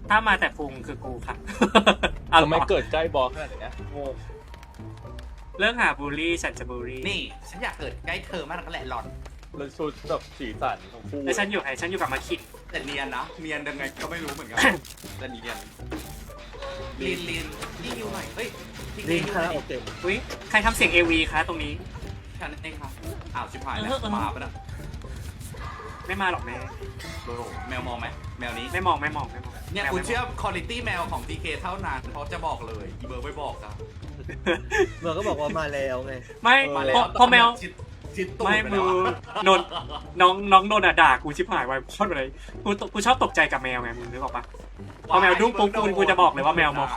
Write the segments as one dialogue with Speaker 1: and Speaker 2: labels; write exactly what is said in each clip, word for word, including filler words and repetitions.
Speaker 1: ถ้ามาแต่พุงคือกูค่ะ
Speaker 2: ทำไมเกิดใกล้บอสขนาดนี้โง่
Speaker 1: เรื่องหาบูลลี่ฉันจะบูลลี่
Speaker 3: นี่ฉันอยากเกิดใกล้เธอมากนักแหละหล่อน
Speaker 2: แล้วชุดแบบสีสันของคู่
Speaker 1: แล้วฉันอยู่ไหนฉันอยู่กับมาคิด
Speaker 3: แต่เนียนนะเนียนยังไงก็ไม่รู้เหมือนกันแต่เนียนลีนลีนนี่ฮิวหน่อยเฮ้ยทิ้ง
Speaker 4: ลิ
Speaker 3: ฮิ
Speaker 4: ง
Speaker 3: วห
Speaker 4: คา
Speaker 3: น่
Speaker 4: รา
Speaker 3: อย
Speaker 4: โอเกะ
Speaker 1: อุ้ยใครทำเสียงเอวีคะตรงนี้
Speaker 3: ฉันเองครับอ้าวชิบหายแล้ว
Speaker 1: เออเออ
Speaker 3: มาปะเนี่ย
Speaker 1: ไม่มาหรอกแม่
Speaker 3: โอ้โหแมวมองไหมแมวนี้
Speaker 1: ไม่มองไม่มองไม่มอง
Speaker 3: เนี่ย
Speaker 1: แมว
Speaker 3: คุณ
Speaker 1: ไม่มง
Speaker 3: เชื่อคุณภาพแมวของ ที เค เท่านั้นเพราะจะบอกเลยอีเบอร์ไม่บอกครับ
Speaker 4: เมื่อก็บอกว่ามาแล้วไง
Speaker 1: ไม่
Speaker 3: มาแล้
Speaker 1: พ
Speaker 3: ว
Speaker 1: อพอแมว
Speaker 3: ชิดชิดตูด
Speaker 1: ไม่
Speaker 3: ไป
Speaker 1: มื
Speaker 3: แล้ว
Speaker 1: อ
Speaker 3: อะ
Speaker 1: นนน้องน้องโดนอะด่ากูชิบหายไว้พอดเลยกูตกูชอบตกใจกับแมวไงมึงนึกออกปะพอแมวดุ้งปุ๊บกูกูจะบอกเลยว่าแมวมอง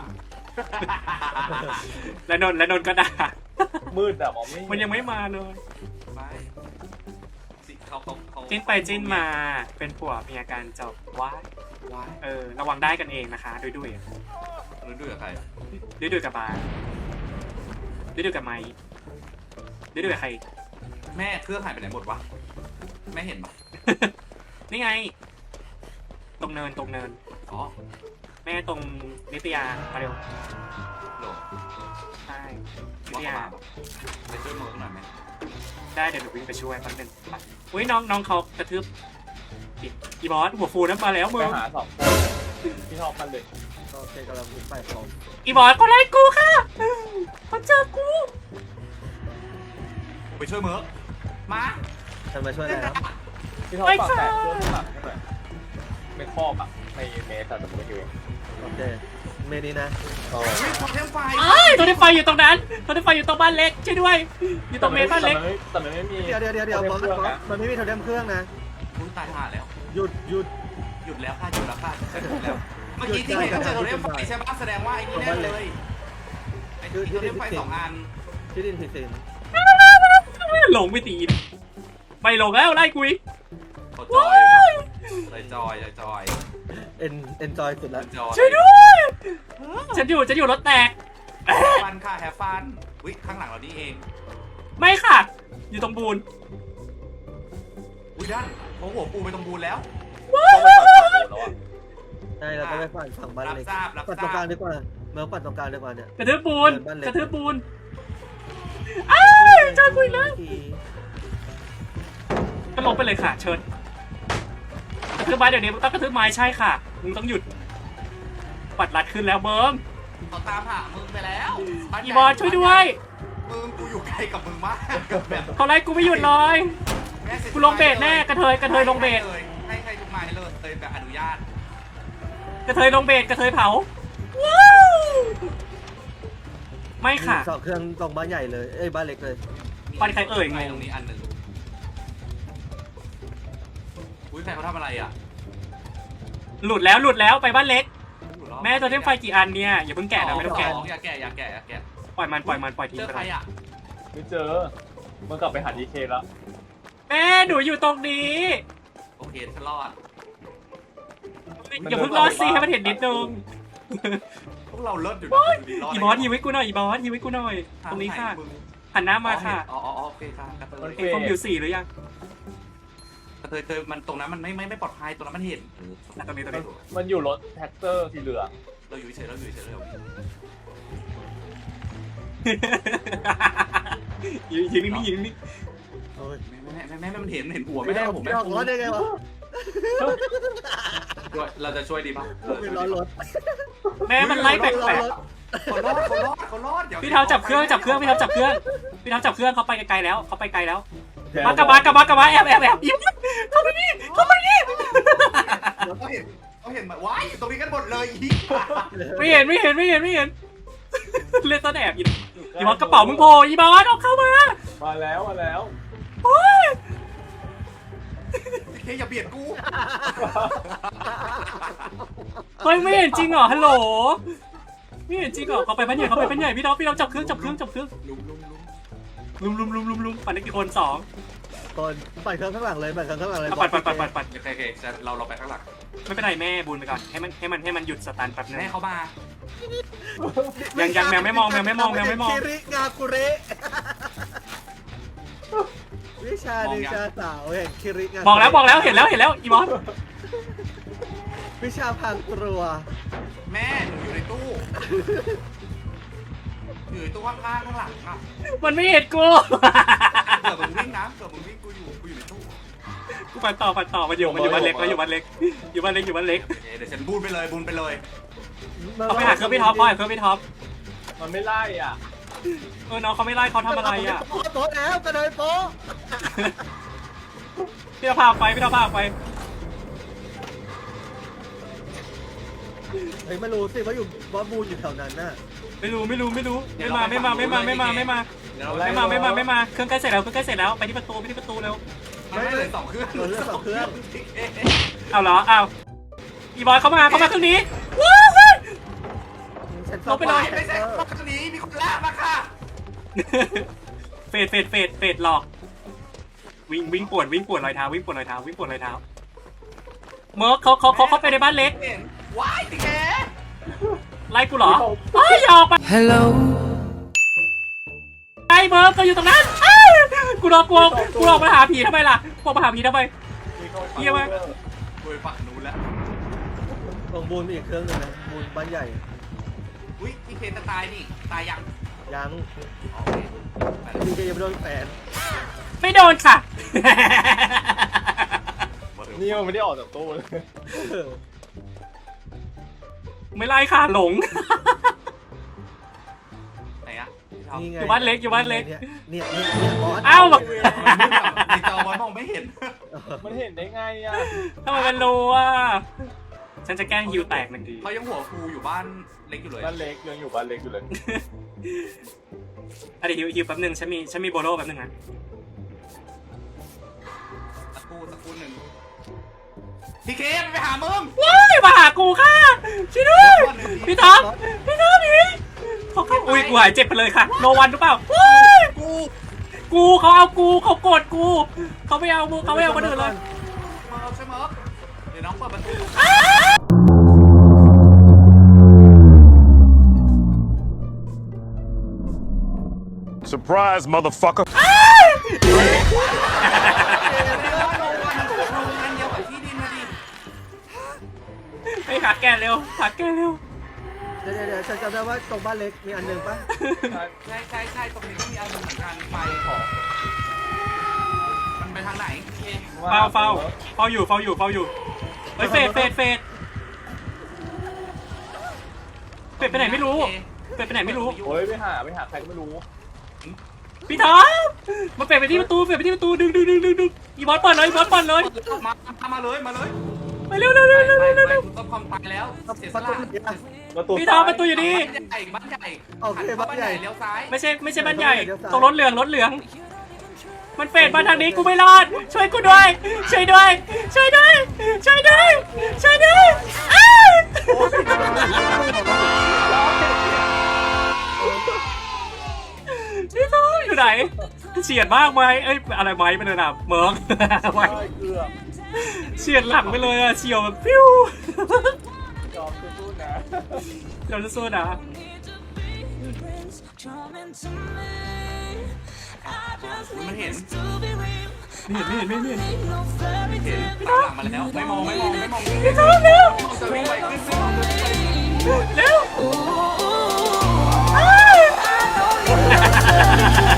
Speaker 1: แล้วนนแล้วนนก็ด่า
Speaker 2: มืดอะมองไม่เห็
Speaker 1: มันยังไม่มาเลย
Speaker 3: ไม่สิเขาเขาเขา
Speaker 1: จิ้นไปจิ้นมาเป็นผัวเมียกันจบว้าย
Speaker 3: ว้าย
Speaker 1: เออระวังได้กันเองนะคะดุยดุย
Speaker 3: รู้ด้วยกับใคร
Speaker 1: ดุยดุยกับบาร์ดุยดุยกับไม้ดุยดุยกับใคร
Speaker 3: แม่เครื่องหายไปไหนหมดวะแม่เห็นปะ
Speaker 1: นี่ไง ตรงเนินตรงเนิน
Speaker 3: อ๋อ
Speaker 1: แม่ตรงนิตยามาเร็ว
Speaker 3: โหล
Speaker 1: ใช่นิ
Speaker 3: ว่า
Speaker 1: ต
Speaker 3: เขา
Speaker 1: ยา
Speaker 3: มาปะไปช่วยมือหน่อยไหม
Speaker 1: ได้เดี๋ยวหนูวิ่งไปช่วยแป๊บนึงไปอุ้ยน้องน้องเขากระทืบอีกอีบอสหัวฟูนั้นมาแล้วมึ
Speaker 2: ไป
Speaker 1: ง
Speaker 2: หาสองคนที่ชอบกันเลย
Speaker 4: โอเคกำลังวิ่งไปของ
Speaker 1: อีบอสก็ไล่กูค่ะเขาเจอกู
Speaker 3: ไปช่วยมือมา
Speaker 4: จะมาช่วยอะไรครับ
Speaker 2: ที่ชอบปากแตกเพื่อนข้างหลังใช่ไหมไม่ครอบอะไม่เมสแต่ไม่อยู่
Speaker 4: โอเคเมนี้นะ
Speaker 2: เออ
Speaker 3: วิ่งทำเทมไฟ
Speaker 1: ไอ้ยตัวที่ไฟอยู่ตรงนั้นตัวที่ไฟอยู่ตรงบ้านเล็กช่วยด้วย อยู่ตรงเมนบ้านเล็ก
Speaker 2: แต่มันไม่มี
Speaker 4: เดี๋ยวเดี๋ยวเดี๋ยวเดี๋ยวบอส
Speaker 2: เครื่ง
Speaker 4: บอส
Speaker 2: นะ
Speaker 4: มันไม่มีโทเทมเครื่องนะ
Speaker 3: คุณตายห่าแล้ว
Speaker 4: หยุดหยุด
Speaker 3: หยุดแล้วค่ะหยุดแล้วค่ะฉันหยุดแล้ว เมื่อกี้ที่เห็นก็เจอโทเทมไฟใช่ปะแสดงว่าไอ้นี่แน่เลยไอ้ที่โทเทมไฟสองอัน
Speaker 4: ที่ดินผิดสิน
Speaker 1: หลงไปตีนไม่หลงแล้วไล่กูอีก
Speaker 3: เขาจอยอยู่นะเลยจอยเลยจอย
Speaker 4: เอ็นเอ็นจอยสุดแล้ว
Speaker 3: จอย
Speaker 1: ช่วยด้วยฉันอยู่ฉันอยู่รถแตก
Speaker 3: ฟันค่ะแฮฟฟันวิข้างหลังเรานี่เอง
Speaker 1: ไม่ค่ะ อยู่ตรงบูน
Speaker 3: อุ้ยด้านเขาหัวปูไปตรงบูนแล้ว
Speaker 2: ต้องไปปัดฝั่งนู้นแล้วอะ
Speaker 4: ใช่เราต้องไปฝั่งฝั่งบ้าน
Speaker 3: รับ
Speaker 4: เล็ก
Speaker 3: ทราบรับ
Speaker 4: ปัด
Speaker 3: ท
Speaker 4: ตรงก
Speaker 3: รา
Speaker 4: ลาง
Speaker 3: บ
Speaker 4: ดีกว่าเมื่อปัดตรงกลางดีกว่าเนี่ย
Speaker 1: กระทืบบูน
Speaker 4: บ้านเล็ก
Speaker 1: กระทืบบูนอ้ายเจอกูอีกแล้วก็ลงไปเลยค่ะ เชิญกระทืบไม้เดี๋ยวนี้มึงต้องกระทืบไม้ใช่ค่ะมึงต้องหยุดปัดรัดขึ้นแล้วเบิ้ม
Speaker 3: เขาตามหามึงไปแล้ว
Speaker 1: อีบอสช่วยด้วย
Speaker 3: มึงกูอยู่ไกลกับมึงมากแบบ
Speaker 1: เขาไล่กูไม่หยุดเลย
Speaker 3: แม่ซ็น
Speaker 1: กูลงเบสแน่กระเทยกระเทยลงเบส
Speaker 3: ให้ให้ทุกไม้เลยเลยแบบอนุญาต
Speaker 1: กระเทยลงเบสกระเทยเผาว้าวไม่ค่ะ
Speaker 4: สองเครื่องตรงบ้านใหญ่เลยเอ้ยบ้านเล็กเลย
Speaker 1: บ้านใครเอ่ยงง
Speaker 3: ไตรงนี้อันหนึ่งอุ้ยใครเขาทำอะไรอ่ะ
Speaker 1: หลุดแล้วหลุดแล้วไปบ้านเล็ก แม่ตัวเทมไฟกี่อันเนี่ยอย่าเพิ่งแกะนะไม่ต้องแกะ
Speaker 3: อย่าแกะอย่าแกะอย่าแกะ
Speaker 1: ปล่อยมันปล่อยมันปล่อยทิ้ง
Speaker 3: เจอ
Speaker 1: ไป
Speaker 3: ใคร
Speaker 1: เลย
Speaker 3: อ่ะ
Speaker 2: ไม่เจอมันกลับไปหาดีเคแล้ว
Speaker 1: แม่หนูอยู่ตรงนี้
Speaker 3: โอเคฉันรอด
Speaker 1: อย่าเพิ่งรอดสิให้มันเห็นนิดนึง
Speaker 3: พวกเราเลิศอยู่นะดูดิรด
Speaker 1: อีบอสยิงไว้กูหน่อยอีบอสยิงไว้กูหน่อย ตรงนี้ค่ะหันหน้ามาค่ะ
Speaker 3: อ๋ออ๋อโอเคค่ะกระเทย
Speaker 1: เอ็งคอมบิวสี่หรือยัง
Speaker 3: กระเทยเธอมันตรงนั้นมันไม่ไม่ไม่ปลอดภัยตรงนั้นมันเห็น
Speaker 1: ตรงนี้ตรงนี้
Speaker 2: มันอยู่รถแท็กเตอร์สีเหลือง
Speaker 3: เราอยู่เฉยเราอยู่เฉยเรา
Speaker 1: ยิงยิงนี่ยิงนี่
Speaker 4: โอ้ย
Speaker 3: แม่แม่แม่แม่มันเห็นเห็นหัว
Speaker 4: ไม่
Speaker 3: ไม่
Speaker 4: ได้
Speaker 3: ได้
Speaker 4: ผ
Speaker 3: ผม ม
Speaker 4: ไม่
Speaker 3: แม่
Speaker 4: ออกรถได้ไงวะ
Speaker 3: ด้วยเราจะช่วยดีป่ะ
Speaker 4: ไม่ร้อนรถ
Speaker 1: แม่มันไล่แปลก
Speaker 3: เขารอดเขารอดเขารอด
Speaker 1: ๆพี่เท้าจับเครื่องจับเครื่องพี่เท้าจับเครื่องพี่เท้าจับเครื่องเขาไปไกลๆแล้วเขาไปไกลแล้วมากระบะกระบะกระบะแอบแอบแอบยิ้มเข้าไปนี่เข้าไปนี่
Speaker 3: เขาเห็นเขาเห็นแบบว้ายตรงนี้กันหมดเลยอี
Speaker 1: ไม่เห็นไม่เห็นไม่เห็นไม่เห็นเล่นต้นแอบอีบอสกระเป๋ามึงโผล่อีบอสเอาเข้ามา
Speaker 2: มาแล้วมาแล้ว
Speaker 1: โอ้ย
Speaker 3: เคอย่าเบียดกู
Speaker 1: เฮ้ยไม่เห็นจริงเหรอฮัลโหลไม่เห็นจริงเหรอเขาไปบ้านใหญ่เขาไปบ้านใหญ่พี่น้องพี่น้องจับเครื่องจับเครื่องจับเครื่อง
Speaker 3: ลุมลุมลุม
Speaker 1: ลุมลุมลุมลุมลุมปั่นได้กี่คนสอง
Speaker 4: ก่อนปัดเครื่องข้างหลังเลยปัดเครื่องข้างหลังเลย
Speaker 1: เอาปัดปัดปัดปัดปัด
Speaker 3: โอเคโอเคเราเราไปข้างหลัง
Speaker 1: ไม่เป็นไรแม่บูนไปก่อนให้มันให้มันให้มันหยุดสตันแป๊บนึง
Speaker 3: แม่เขามา
Speaker 1: ยังยังแมวไม่มองแมวไม่มองแมวไม่มอง
Speaker 4: คิริงาคุเระวิชานิชาสาวเห็นคิริงา
Speaker 1: บอกแล้วบอกแล้วเห็นแล้วเห็นแล้วอีบอส
Speaker 4: วิชาพังตรัว
Speaker 3: แม่หนูอยู่ในตู้อยู่ในตู้ข้างๆข้างหลังอ่ะ
Speaker 1: มันไม่เห็นกู
Speaker 3: เกิดมึงวิ่งนะเกิดมึงวิ่งกูอยู่กูอยู่ในตู้
Speaker 1: กูปันต่อปันต่อมันอยู่มันอยู่บ้านเล็กมันอยู่บ้านเล็กอยู่บ้านเล็กอยู่บ้านเล็ก
Speaker 3: เดี๋ยวฉันบูนไปเลยบูนไปเลย
Speaker 1: เอาไปหาเครื่องพี่ท็อปพ่อหาเครื่องพี่ท็อป
Speaker 2: มันไม่ไล่อ่ะ
Speaker 1: เออน้องเขาไม่ไล่เขาทำอะไรอ่ะ
Speaker 4: โป๊ะโป๊ะแล้วกระโดดโป๊ะ
Speaker 1: พี่ท็อปพาไปพี่ท็อปพาไป
Speaker 4: เฮ้ยไม่รู้สิว่าอยู่ว่าบูนอยู่แถวนั้นน่ะ
Speaker 1: ไม่รู้ไม่รู้ไม่รู้ไม่มาไม่มาไม่มาไม่มาไม่มา
Speaker 3: เดี๋ยวเรา
Speaker 1: ไม่มาไม่มาไม่มาเครื่องใกล้เสร็จแล้วเครื่องใกล้เสร็จแล้วไปที่ประตูไปที่ประตูเร็ว
Speaker 3: ไม่เลยสองเครื่อง
Speaker 4: เหลือสองเครื่อง
Speaker 1: เอาเหรอเอาอีบอยเข้ามาเข้ามาเครื่องนี้ว้าวเฮ้ย
Speaker 4: ฉัน
Speaker 1: ลงไปเลย
Speaker 3: ไม่ใช่เครื่องนี้มีคนลากมาค่ะ
Speaker 1: เฟดเฟดเฟดเฟดหลอกวิ่งวิ่งปวดวิ่งปวดรอยเท้าวิ่งปวดรอยเท้าวิ่งปวดรอยเท้าเมิร์กเขาเขาเขาเข้าไปในบ้านเล็ก
Speaker 3: เห็นว้ายติแก
Speaker 1: ไล่กูเหรอเอ้ยอย่าออกไป
Speaker 5: Hello
Speaker 1: ไอ้เมิร์กก็อยู่ตรงนั้นอ้าวกูรอกลัวกูรอกมาหาผีทำไมล่ะกูมาหาผีทำไม เหี้ยมาก
Speaker 3: โดยฝั่งนู้นแล้ว
Speaker 4: ตรงบูนมีอีกเครื่องหนึงนะบูนบ้านใหญ่
Speaker 3: อุ้ยพี่เคนจะตายนี่ตายยัง
Speaker 4: ยัง
Speaker 3: โอเค
Speaker 4: ดีเจยังไม่โดนแฝน
Speaker 1: ไม่โดนค่ะ
Speaker 2: นี่มันไม่ได้ออกจากตู้เลย
Speaker 4: เออ
Speaker 1: ไม่ไล่ค่ะหลง
Speaker 3: ไหนอะ
Speaker 4: นี่ไง
Speaker 1: อยู่บ้านเล็กอยู่บ้านเล็ก
Speaker 4: เนี่ยเนี่ยเนี่ยเนี่ยบอส
Speaker 1: เอ้า
Speaker 3: ในจอบอลมองไม่เห็น
Speaker 2: มันเห็นได้ไงอ่ะ
Speaker 1: ทำไมมันรู้อ่ะฉันจะแกล้งฮิวแตกหนึ่งที
Speaker 3: เขายังหัวฟูอยู่บ้านเล็กอยู่เลย
Speaker 2: บ้านเล็กยังอยู่บ้านเล็กอยู่เลย
Speaker 1: อะเดี๋ยวฮิวฮิวแป๊บนึงฉันมีฉันมีโบโลแป๊บนึงนะ
Speaker 3: ตะกูตะกูหนึ่งพี่เคนไปหามึง
Speaker 1: ว้ายมาหากูค่ะช่วยด้วยพี่ท็อปพี่ท็อปพี่เขาเข้าอุ้ยกูหายเจ็บไปเลยค่ะโนวันหรือเปล่าว้าย
Speaker 3: กู
Speaker 1: กูเขาเอากูเขาโกรธกูเขาไม่เอากูเขาไม่เอาคนอื่นเลย
Speaker 3: มาเอาใช่ไหมเดี๋ยวน้องเปิดประตู
Speaker 6: Surprise, motherfucker.
Speaker 3: เดี๋ยวว่าโรงงานโรงงานเดียวกับที่ดินมาดิ
Speaker 1: ไปหาแกเร็วหาแกเร็ว
Speaker 4: เดี๋ยวเดี๋ยวเดี๋ยวฉันจำได้ว่าตรงบ้านเล็กมีอันหนึ่งปะ
Speaker 3: ใช่ใช่ใช่ตรงนี้ก็มีอันหนึ่งเหมือนกันไฟของมันไปทางไหนโอเค
Speaker 1: เฝ้าเฝ้าเฝ้าอยู่เฝ้าอยู่เฝ้าอยู่เฮ้ยเฟดเฟดเฟดเฟดไปไหนไม่รู้เฟดไปไหนไม่รู้
Speaker 2: โอ้ยไปหาไปหาใครก็ไม่รู้
Speaker 1: พี่ท็อปมาเฟดไปที่ประตูเฟดไปที่ประตูดึงดึงดึงดึงดึงอีบอสเปิดเลยอีบอสเปิดเลย
Speaker 3: มามาเลยมาเลย
Speaker 1: ไปเร็วเร็วเร็วเร็ว
Speaker 3: ไป
Speaker 1: เร็ว
Speaker 3: ไป
Speaker 1: เร็ว
Speaker 3: คุณต้องความตายแล้วเสียส
Speaker 4: ประตู
Speaker 3: ละ
Speaker 4: เนี่ย
Speaker 2: ประตู
Speaker 1: พี่ท็อปประตูอยู่นี่
Speaker 3: บ้านใหญ่บ้านใหญ่
Speaker 4: โอเค
Speaker 3: หันเข้
Speaker 4: บ้านใหญ่
Speaker 3: เลี้ยวซ้าย
Speaker 1: ไม่ใช่ไม่ใช่บ้านใหญ่ตรงรถเหลืองรถเหลือง มันเฟดมาทางนี้กูไม่รอด ช่วยกูด้วย ช่วยด้วย ช่วยด้วย ช่วยด้วย ช่วยด้วยอ้าวพี่ท้องอยู่ไหนเฉียดมากไหมเอ้ยอะไรไหมเป็นระดับเมิร์กไหม
Speaker 2: ใช่เกือบ
Speaker 1: เฉียดหลังไปเลยอะเฉียวแบบฟิว
Speaker 2: ยอมสู้ๆนะ
Speaker 1: เราจะสู้นะ
Speaker 3: มันเห็น
Speaker 1: ไม่เห็นไม่เห็นไม่เห็น
Speaker 3: เห็นตามหลังมาแล้วไม่มองไม่มองไม่มอง
Speaker 1: พี่ท้องเร็ว
Speaker 3: จะวิ่งไปขึ้นไม่มองเลย
Speaker 1: เร็วอ้าว